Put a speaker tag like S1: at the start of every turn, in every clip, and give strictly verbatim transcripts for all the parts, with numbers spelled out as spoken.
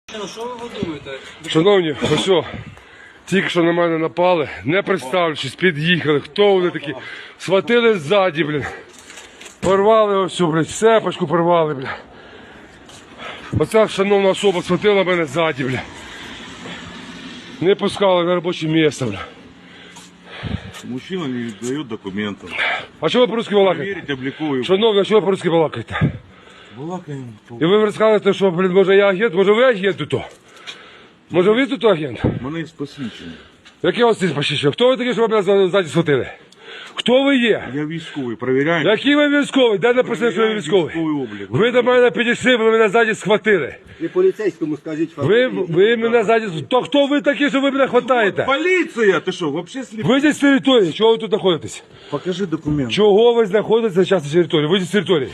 S1: Що ви думаєте?
S2: Шановні, ось що, тільки що на мене напали, не представлячись, під'їхали, хто вони такі, схватили ззаді, блін, порвали ось, все, блін, сепочку порвали, блін. Оця шановна особа схватила мене ззаді, блін. Не пускали на робоче місце, блін.
S3: Мужчина не дает документов.
S2: А чого ви по-русски балакаєте?
S3: Проверить, обликовую.
S2: Шановні, а чого ви по-русски балакаєте?
S3: Балакаем.
S2: І ви розказуєте, що, блін, може я агент, може ви агент тут? Може ви тут агент?
S3: Мене із посвідчення.
S2: Яке у вас тут посвідчення? Хто ви такі, що ви мене ззаді схватили? Хто ви є?
S3: Я військовий, перевіряємо.
S2: Який ви військовий? Де написано, що ви військовий?
S3: Військовий облік.
S2: Ви до мене підійшли, ви мене ззаді схватили.
S4: І поліцейському скажіть
S2: Ви, ви мене ззаді... То хто ви такі, що ви мене хватаєте?
S3: Поліція! Ти що, вообще сліп?
S2: Вийдіть з території, чого ви тут знаходитесь?
S3: Покажи документ.
S2: Чого ви знаходитесь зараз на території? Вийдіть з території.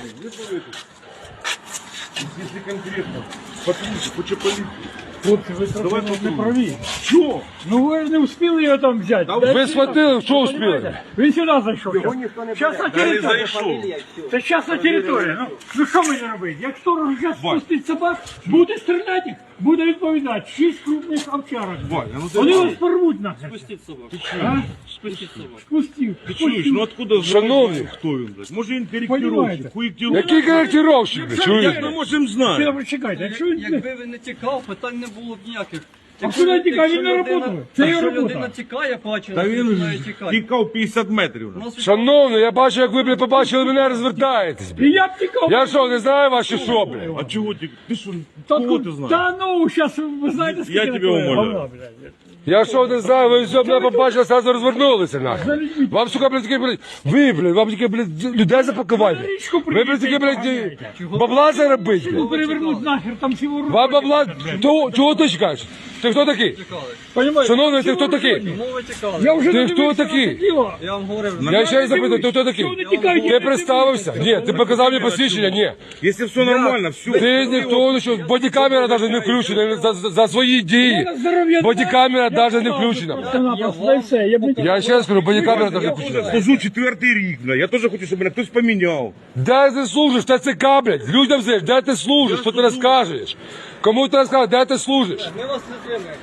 S3: Якщо конкретно. Послухай, хоче поліцію.
S5: Хлопці, ви трохи не праві.
S3: Що?
S5: Ну ви не встигли його там взяти.
S2: Ви схватили, що успіли?
S5: Він сюди зайшов. Зараз на
S3: Я не
S5: територію.
S3: зайшов.
S5: Це зараз на територію. Ну, ну що мені робити? Як сторож зараз спустить собак, буде стріляти, буде відповідати. Шість крупних овчарок.
S3: Валя, ну ти
S5: Вони вас порвуть нахер.
S1: Спустіть собак.
S5: А?
S1: Спустіть собак.
S5: Спустив.
S3: Ти чуєш, ну откуда
S2: Шановні.
S3: знаєш, хто він, блядь? Може він
S5: Понімаєте?
S3: коректировщик, хуєктировщик.
S2: Який коректировщик? ви
S3: Як
S2: Чуєте?
S3: ми можемо знати?
S5: Це, чекайте, якщо він...
S1: Якби він не тікав, питань не було б ніяких.
S5: А куди він тікає? Він не
S1: людина-
S5: роботає. Це його
S1: Якщо
S5: робота.
S1: людина тікає, бачила,
S3: Та
S1: що
S3: він
S1: починає
S3: ж
S1: тікати.
S3: тікав п'ятдесят метрів.
S1: У нас
S2: Шановний, я бачу, як ви, блін, побачили мене, розвертаєтесь,
S5: І
S2: блін.
S5: я б тікав.
S2: Я що, не знаю ваші що, блін?
S3: А чого ти? Ти що,
S5: Та,
S3: кого ти знаєш?
S5: та ну, зараз ви знаєте,
S3: Я
S5: скільки
S3: тебе
S5: такого
S3: умоляю.
S5: говна, блядь.
S2: Я що, не знаю, ви все мене побачили, сразу розвернулися, нахер. Вам, сука, блядь, таке, блядь, ви, блядь, вам таке, блядь, людей запакувати.
S5: Річку
S2: Ви, блядь, таке, блядь, бабла заробити, блядь.
S5: Перевернуть нахер, там всього руки.
S2: Вам бабла, то, чого ти чекаєш? Ти хто такий?
S5: Понимаєте?
S2: Шановний, ти хто такий?
S1: Мови тікали.
S5: Я вже
S2: Ти
S5: не
S2: хто
S5: дивився
S2: такий?
S5: на це діло.
S1: Я вам говорив,
S2: Я ще й запитую, ти хто такий?
S5: Чого не тікаєте?
S2: Ти представився? Ні, ти показав мені посвідчення? Ні.
S3: Якщо все нормально, все.
S2: Ти ніхто, ну що, бодікамера навіть не включена за, за, за свої дії. Бодікамера навіть не включена.
S5: Просто і все. Я б не
S2: Я ще раз кажу, бодікамера навіть не включена.
S3: Служу четвертий рік, бля. Я теж хочу, щоб мене хтось поміняв.
S2: Де ти служиш? Т Ц К, блядь. Людям знаєш, де ти служиш? Що ти розкажеш? Кому ти розкажеш, де ти служиш?
S1: ми вас не тримаємо.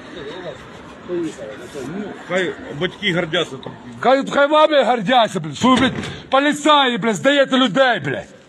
S3: Хай батьки гордяться.
S2: Хай, хай вами гордяться, блядь. Що ви, блядь, поліцаї, блядь, здаєте людей, блядь.